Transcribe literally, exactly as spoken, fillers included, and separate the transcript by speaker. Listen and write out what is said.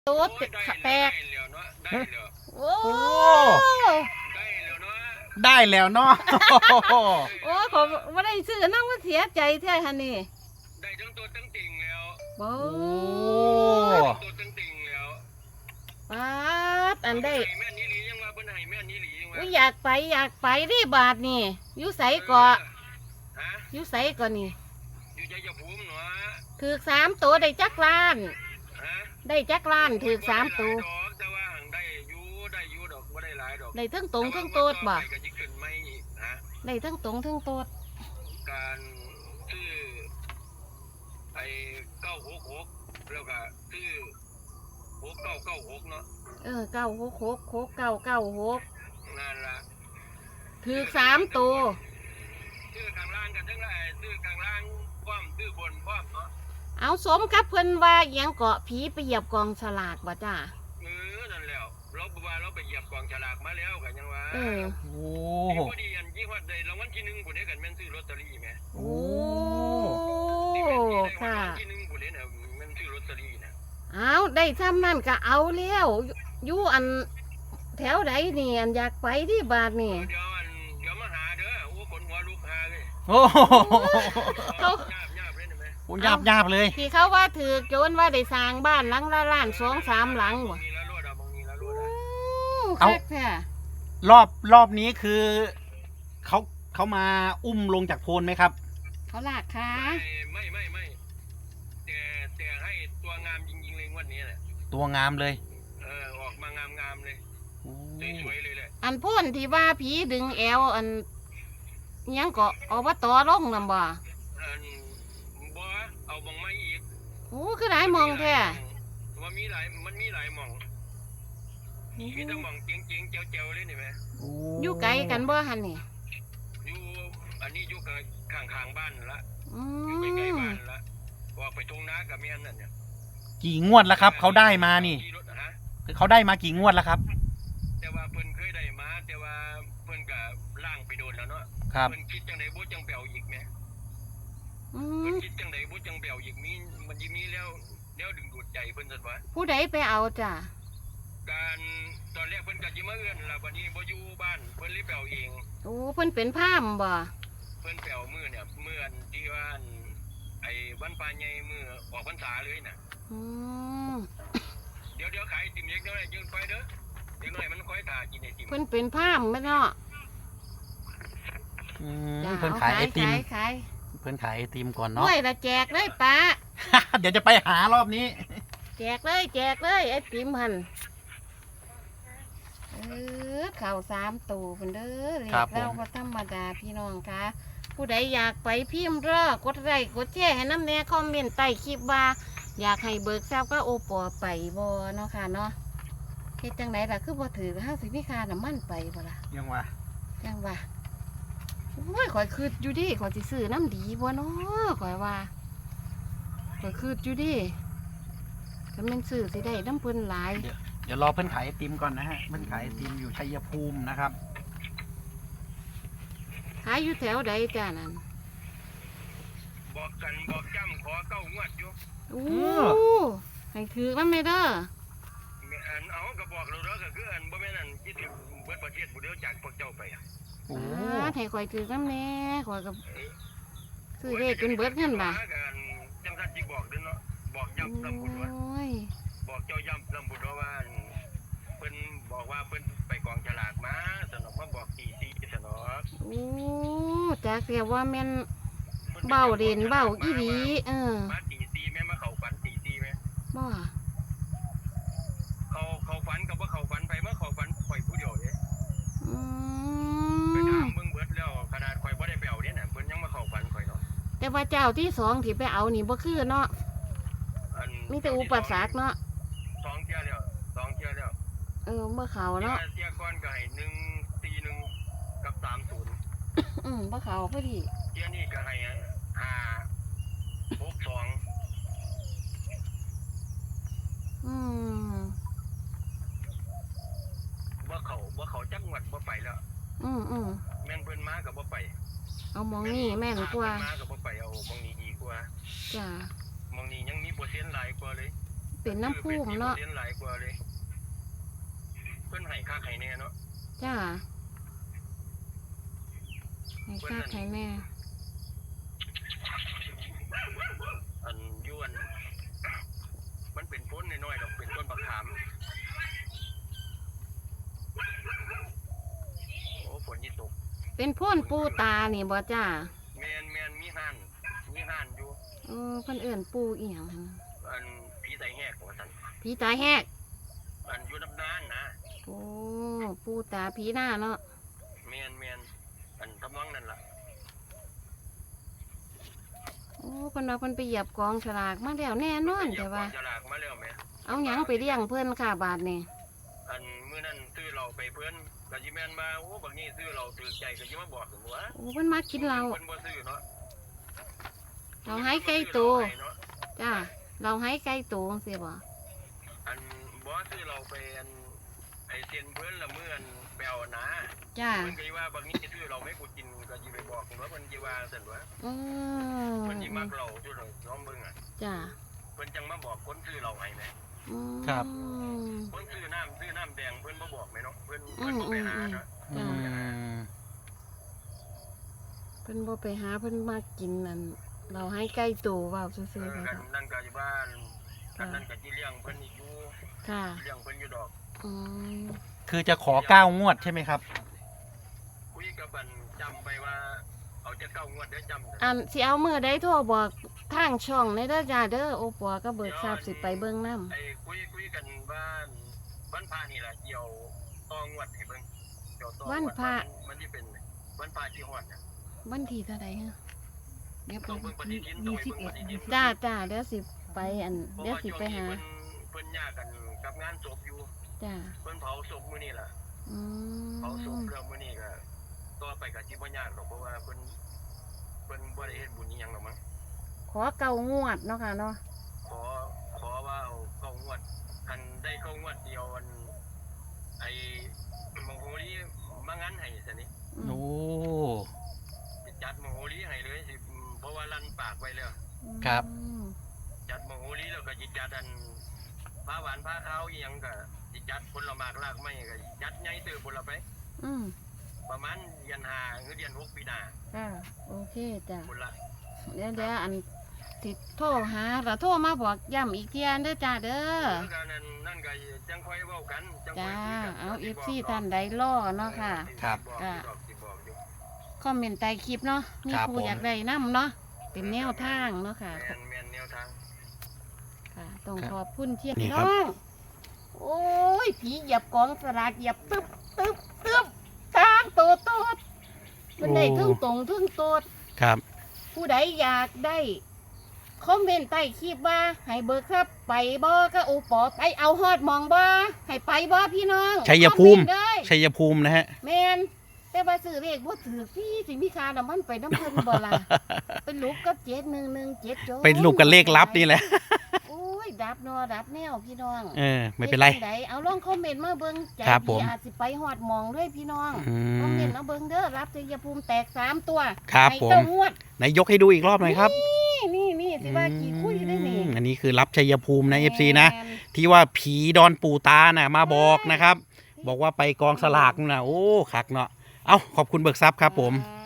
Speaker 1: ตุ๊ดแตกโอ้
Speaker 2: ได้แล้วเนาะ
Speaker 1: โอ้ผมไม่ได้ซื้อนั่งว่าเสียใจแท้ฮันนี่
Speaker 3: ได้ทั้งตัวทั้งติ่งแล้ว
Speaker 1: โอ้
Speaker 3: ตัวทั้งติ่งแล้ว
Speaker 1: ป๊าดอันได้
Speaker 3: แม่นี่หลียังว่าเพิ่นให้แม่นี่หลียังว่า
Speaker 1: อยากไปอยากไปดิบาทนี่อยู่ไสก่ออยู่ไสก่อนี่
Speaker 3: อยู่ใจจะภูมิเนาะ
Speaker 1: ถือสามตัวได้จักล้านได้จักล้านถือสามตัว
Speaker 3: แต่ว่าได้อยู่ได้อยู่ดอกบ่ได้หลายดอก
Speaker 1: ได้ทั้งตรงทั้งโตดบ่ได้ทั้งตรงทั้งโตด
Speaker 3: การซื้อไอ้เก้าหกหกแล้วก็ซื้อหกเก้าเก้าหกเนาะ
Speaker 1: เออเก้าหกหกหกเก้าเก้าหก
Speaker 3: นั่นล่ะ
Speaker 1: ถือสามตัว
Speaker 3: ซื้อข้างล่างกันทั้งหลายซื้อข้างล่างพร้อมซื้อบนพร้อมเนาะ
Speaker 1: เอาสมกับเพิ่นว่าเอียงเกาะผีไปเหยียบกองฉลากบ่จ้า
Speaker 3: เออนั่นแล้วเราบอกว่าเราไปเหยียบกองฉลากมาแล้วกันยังว่า
Speaker 1: เออ
Speaker 2: โอ้
Speaker 3: พอดีอันยี่ห้อใดรางวัลที่หนึ่งผู้ใดกันแม่นซื้อลอตเตอรี่แม่
Speaker 1: โอ้ค่ะ
Speaker 3: ที่หนึ่งผู้ใดน่ะแม่นซื้อลอตเตอรี่นะ
Speaker 1: เอาได้ซ้ำนั่นก็เอาแล้วอยู่อันแถวไหนนี่อันอยากไปที่บาทนี่
Speaker 3: เดี๋ยวอันเดี๋ยวมาหาเด้อโอ้คนหัวลูกหาเลย
Speaker 2: โอ้
Speaker 3: เขาหยาบหยาบเลยไหม
Speaker 2: โอ้หยาบหยาบเลย
Speaker 1: ที่เขาว่าถือโจรว่าได้สร้างบ้านหลังละล้านสองสามหลัง
Speaker 3: บ่
Speaker 1: เอา
Speaker 2: รอบรอบนี้คือเขาเขามาอุ้มลงจากโพนไหมครับ
Speaker 1: เขาลากขา
Speaker 3: ไม่ไม่ไม่แต่แต่ให้ตัวงามจริงๆเลยวันนี้แหละ
Speaker 2: ตัวงามเลย
Speaker 3: เออออกมางามงามเลยสวยๆเลยแหละ
Speaker 1: อันพ่นที่ว่าผีดึงแอวอันยังก็อบตลงนำบ่
Speaker 3: อันบ่เอามองมาอีก
Speaker 1: โอ้คือหลายมองแท้
Speaker 3: ว่ามีหลายมันมีหลายมองมีแต่มองเจ๋งๆเจ๋วๆเลยนี่แม่
Speaker 1: อยู่ไกลกันบ่หั่นนี่
Speaker 3: อยู่อันนี้อยู่ข้างๆบ้านละอยู่ใกล้ๆบ้านละออกไปตรงนากับแม่นั่นเนี่ย
Speaker 2: กี่งวดแล้วครับเขาได้มานี่เขาได้มากี่งวดแล้วครับ
Speaker 3: แต่ว่าเพิ่นเคยได้มาแต่ว่าเพิ่นก็ล่างไปโดนแล้วเนาะ
Speaker 2: ครับ
Speaker 3: เพิ่นคิดจังได๋บ่จังแปลวอีกแม่เพิ่นคิดจังได๋บ่จังแปลวอีกมีมันสิมีแล้วแล้วดึงดูดใจเพิ่นซั่นวะ
Speaker 1: ผู้ใดไปเอาจ้ะ
Speaker 3: การตอนแรกเพิ่นก็สิมาเอื้อนล่ะบัดนี้บ่อยู่บ้านเพิ่นเลยแปลวเอง
Speaker 1: โอ้เพิ่นเป็นพราหมณ์บ่
Speaker 3: เพิ่นแปลวมื้อเนี่ยมื้ออันที่ว่าไอ้วันปลาใหญ่มื้อออกพรรษาเลยน่ะ
Speaker 1: อืม
Speaker 3: เดี๋ยวเดี๋ยวขายไอติมเล็กน้อยยืนไฟเด้อเล็กน้อยมันค่อยถ่ากินไอติม
Speaker 1: เพิ่นเป็นพราหมณ์แม่เนาะ
Speaker 2: อืมเพิ่นขายไอติม
Speaker 1: ขาย
Speaker 2: เพิ่นขายไอติมก่อนเนาะ
Speaker 1: ด้วยละแจกเลยป้า
Speaker 2: เดี๋ยวจะไปหารอบนี้
Speaker 1: แจกเลยแจกเลยไอติมหั่นเออข่าวสามตู่เพิ่นเด้อเรียกเราบ่ธรรมดาพี่น้องค่ะผู้ใดอยากไปพิมพ์รอกดไลค์กดแชร์ให้น้ำแน่คอมเมนต์ใต้คลิปว่าอยากให้เบิกทราบก็โอปอไปบ่เนาะค่ะเนาะเฮ็ดจังไดล่ะคือบ่ถือห้าสิบมีค่าน้ำมันไปบ่ล่ะ
Speaker 2: ยังวะ
Speaker 1: ยังวะโอ้ยข่อยคืดอยู่ดิข่อยสิซื้อน้ำดีบ่เนาะข่อยว่าข่อยคืดอยู่ดิก็แม่นซื้อสิได้น้ำเพิ่นหลาย
Speaker 2: เดี๋ยวรอเพิ่นขายไอติมก่อนนะฮะเพิ่นขายไอติมอยู่ชัยภูมินะครับ
Speaker 1: ขายอยู่แถวใดจ้านั่น
Speaker 3: บอกกันบอกจำขอเก้างวดอยู่
Speaker 1: โอ้ให้ถือมันไม่เด้อ
Speaker 3: อันเอาก็บอกเราเด้อก็คืออันบ่แม่นอันคิดถึงเบิดประเทศบ่เดียวจากพวกเจ้าไปอ่ะ
Speaker 1: โอ้ให้ข่อยถือน้ำแน่ข่อยก็ซื้อเลขจนเบิดเงินบ่
Speaker 3: จังซั่นสิบอกเด้อเนาะบอกย้ำลำบุญว่าบอกเจ้าย้ำลำบุญว่าเพิ่นบอกว่าเพิ่นไปกองฉลากมาสนอกมาบอกตีซีสนอก
Speaker 1: โอ้จากเรียกว่าแม่นเบ้าเด่นเบ้าอีหลีเออ
Speaker 3: มาตีซีแม่มาเข้าฝันตีซีแม่
Speaker 1: บ่
Speaker 3: เขาเขาฝันกับว่าเขาฝันไปเมื่อเขาฝันข่อยผู้เดียวเด้
Speaker 1: อื
Speaker 3: มไปถามเบิ่งเบิดแล้วขนาดข่อยบ่ได้ไปเอาเด้น่ะเพิ่นยังมาเข้าฝันข่อยเนาะ
Speaker 1: แต่ว่าเจ้าที่สองที่ไปเอานี่บ่คือเนาะมีแต่อุปสรรคเนาะ
Speaker 3: สองเที่ยวแล้วสองเที่ยวแล้ว
Speaker 1: เออเมื่อเขาเนาะ
Speaker 3: เที่ยวก่อนก็ให้หนึ่งสี่หนึ่งกับสามศูนย์
Speaker 1: อืมเมื่อเขาพอดี
Speaker 3: เที่ยวนี้ก็ให้ห้าหกสอง
Speaker 1: อืม
Speaker 3: บ่เขาบ่เขาจักงวดบ่ไปแล้ว
Speaker 1: อืมอืม
Speaker 3: แม่นเพิ่นมาก็บ่ไป
Speaker 1: เอามองนี่แม่นกว่า
Speaker 3: มาก็บ่ไปเอามองนี้ดีกว่า
Speaker 1: จ้าม
Speaker 3: องนี้ยังมีเปอร์เซ็นต์หลายกว่าเลย
Speaker 1: เป็เป็นน้ำพุ่มเนาะ
Speaker 3: เรียนหลายกว่าเลยเพิ่นให้ค่าไข่แน่เนาะ
Speaker 1: จ้าให้ค่าไข่แม่
Speaker 3: อันยวนมันเป็นพ้นน้อยๆดอกเป็นต้นบักขามโอ้ฝนยี่ตก
Speaker 1: เป็นพ่นปูตานี่บ่จ้า
Speaker 3: แมนแมนมีห่านมีห่านอยู่
Speaker 1: เออเพิ่นเอิ้นปูอีหยังหั่น
Speaker 3: อันผีไตแหกว่าซั่น
Speaker 1: ผีตาแหก
Speaker 3: อันอยู่น้ำนานนะ
Speaker 1: โอ้ปูตาผีหน้าเนาะ
Speaker 3: แมนแมนอันทำนองนั่นล่ะ
Speaker 1: โอ้เพิ่นว่าเพิ่นไปเหยียบกองฉลากมาแล้วแน่นอนแต่ว่า
Speaker 3: เดี๋ยก่อนจะลากมาแล้วแม่
Speaker 1: เอาหยังไปเลี้ยงเพิ่นค่ะบาทนี่
Speaker 3: อันมื้อนั้นซื้อเราไปเพิ่นก็สิแม่นมาโอ้บักนี้ซื้อเราถือใจก็สิมาบอกถึงว่า
Speaker 1: โอ้เพิ่นมากินเรา
Speaker 3: เพิ่นบ่ซื้อเนาะ
Speaker 1: เราให้ไก่ตัวจ้าเราให้ไก่ตัวจังซี่บ่
Speaker 3: อันบ่ซื้อเราไปอันไอเซียนเพิ่นละมื้ออันแปลวนะ
Speaker 1: จ้า
Speaker 3: เพิ่นก็สิว่าบักนี้ซื้อเราไม่กูกินก็สิไปบอกว่าเพิ่นสิว่าซั่นว่า
Speaker 1: อืม
Speaker 3: เพิ่นสิมักเราจุดเราน้องเบิ่งอ่ะ
Speaker 1: จ้า
Speaker 3: เพิ่นจังมาบอกคนซื้อเราให้แหม
Speaker 1: อืม
Speaker 2: ครับ
Speaker 3: คนซื้อน้ำซื้อน้ำแดงเพิ่นบ่บอกแม่เนาะเพิ่นเพิ่นบ่ไปหาเนาะ
Speaker 2: อืม
Speaker 1: เพิ่นบ่ไปหาเพิ่นมากินนั่นเราให้ไก่ตัวเว้า
Speaker 3: เอ
Speaker 1: ซื่อ
Speaker 3: อ
Speaker 1: ๆเลย
Speaker 3: กัน
Speaker 1: ค่ะ
Speaker 3: นั่นก็อยู่บ้านกันนั่นก็สิเลี้ยงเพิ่นอีกอยู่
Speaker 1: ค่ะ
Speaker 3: เลี้ยงเพิ่นอยู่ดอก
Speaker 1: อืม
Speaker 2: คือจะขอเก้างวดใช่ไหมครับ
Speaker 3: คุยกับบันจำไปว่าเอาจะเก้างวดได้จำ
Speaker 1: อันสิเอามือได้โทรบอกทางช่องในเด้อจ้าเด้อโอปัวก็เบิกทราบสิไปเบิ่งนำ
Speaker 3: ไอ้คุยคุยกันบ้านบ้านพานี่แหละเกี่ยวตองวดให้เบิ่งเกี่ยวตองวดมันที่เป็นบ้านพาที่ฮอดเนี่ย
Speaker 1: วันที่เท่าใดฮะเดี๋ยว
Speaker 3: ต้องเบิ่งปฏิทินต้อง
Speaker 1: ยี่
Speaker 3: ไป
Speaker 1: สิบ
Speaker 3: เบิ่ง
Speaker 1: เอ็ด
Speaker 3: ปฏิทิน
Speaker 1: จ้าจ้าเดี๋ยวสิไปอัน
Speaker 3: เพราะ
Speaker 1: เดี๋ยว
Speaker 3: ว่า
Speaker 1: สิ
Speaker 3: ช่วง
Speaker 1: ไป
Speaker 3: นี้
Speaker 1: หา
Speaker 3: เพิ่นเพิ่นยากกันกับงานศพอยู่
Speaker 1: จ้า
Speaker 3: เพิ่นเผาศพมื้อนี้ล่ะ
Speaker 1: อื
Speaker 3: เผาศพ
Speaker 1: ม
Speaker 3: เรื่องมื้อนี้ก็ต่อไปก็สิบ่ยากหรอกเพราะว่าเพิ่นเพิ่นบ่ได้เฮ็ดบุญอีหยังหรอกมั้ง
Speaker 1: ขอเก่างวดเนาะค่ะเนาะ
Speaker 3: ขอขอว่าเอาเข้างวดคันได้เข้างวดเดียวอันไอ้มโหรีมางั้นให้ซะนี่
Speaker 1: อืม
Speaker 2: โอ้
Speaker 3: สิจัดมโหรีให้เลยสิเพราะว่าลั่นปากไว้แล้ว
Speaker 2: ครับ
Speaker 1: อืม
Speaker 3: จัดมโหรีแล้วก็สิจัดอันผ้าหวานผ้าขาวอีหยังก็สิจัดผลหมากรากไม้ก็จัดใหญ่เติบพุ่นละไป
Speaker 1: อืม
Speaker 3: ประมาณเดือนห้าหรือเดือนหกปีหน้า
Speaker 1: จ้าโอเคจ้า
Speaker 3: พุ่นละ
Speaker 1: เดี๋ยวเดี๋ยวอันติดโทรหาแล้วโทรมาบอกย้ำอีกเทียนเด้อจ้าเด้อ
Speaker 3: คือกันนั่นนั่นก็จังค่อยเว้ากันจังค่
Speaker 1: จ้า
Speaker 3: อยคุยกัน
Speaker 1: เอาเอ
Speaker 3: สิ
Speaker 1: ฟ
Speaker 3: บก
Speaker 1: ซี
Speaker 3: ดอก
Speaker 1: ท่านใดล่อเนาะค่ะ
Speaker 2: ครับ
Speaker 3: สิบอกอยู่ดอกสิบอกอยู่
Speaker 1: คอมเมนต์ใต้คลิปเนาะมี
Speaker 2: ครับ
Speaker 1: ผู้
Speaker 2: ผม
Speaker 1: อยากได้น้ำเนาะเป็นแนวทางเนาะค่ะ
Speaker 3: แม่นแม่นแนวทาง
Speaker 1: ค่ะต้องขอบคุณเทียน
Speaker 2: นี่ครับ
Speaker 1: น้องโอ้ยผีเหยียบกองสลากเหยียบตึ๊บตึ๊บตึ๊บตามโตโตดมันได้ทึ่งตรงทึ่งโตด
Speaker 2: ครับ
Speaker 1: ผู้ใดอยากได้คอมเมนต์ใต้คลิปว่าให้เบิกครับไปบ่ก็โอปอไปเอาฮอดหมองบ่ให้ไปบ่พี่น้อง
Speaker 2: ชัยภูมิ
Speaker 1: คอเนต์เลย
Speaker 2: ชัยภูมินะฮะ
Speaker 1: แมนแต่ว่าซื้อเลขบ่ถือพี่สิมีค่าน้ำมันไปน้ำเพิ่นบ่ล่ะ เป็นลูกกับเจ็ดหนึ่งหนึ่งเจ็ดโจ
Speaker 2: เป็นลูกกันเลขลับนี่แหละ
Speaker 1: โอ้ยดับเนอดับแนวพี่น้อง
Speaker 2: เออ ไม่เป็นไร
Speaker 1: ฮ็ดจั่งใดเอาลองคอมเมนต์มาเบิ่งใจ
Speaker 2: ครับผ
Speaker 1: ดี
Speaker 2: ม
Speaker 1: อาจสิไปฮอดหมองด้วยพี่น้อง
Speaker 2: อื
Speaker 1: คอมเม
Speaker 2: ม
Speaker 1: นต์เอาเบิ่งเด้อรับชัยภูมิแตกสามตัว
Speaker 2: ครับ
Speaker 1: ให้
Speaker 2: ผม
Speaker 1: เต้างวด
Speaker 2: ไหนยกให้ดูอีกรอบหน่อยครับ
Speaker 1: นี่นี่นี่สิว่ากี่คุยได้นี่
Speaker 2: อืมอันนี้คือรับชัยภูมินะเอฟซีนะ
Speaker 1: แม่น
Speaker 2: ที่ว่าผีดอนปู่ตาน่ะมาบอกนะครับ บอกว่าไปกองสลากน่ะโอ้คักเนาะ เอาขอบคุณเบิกทรัพย์ครับผม
Speaker 1: อ่า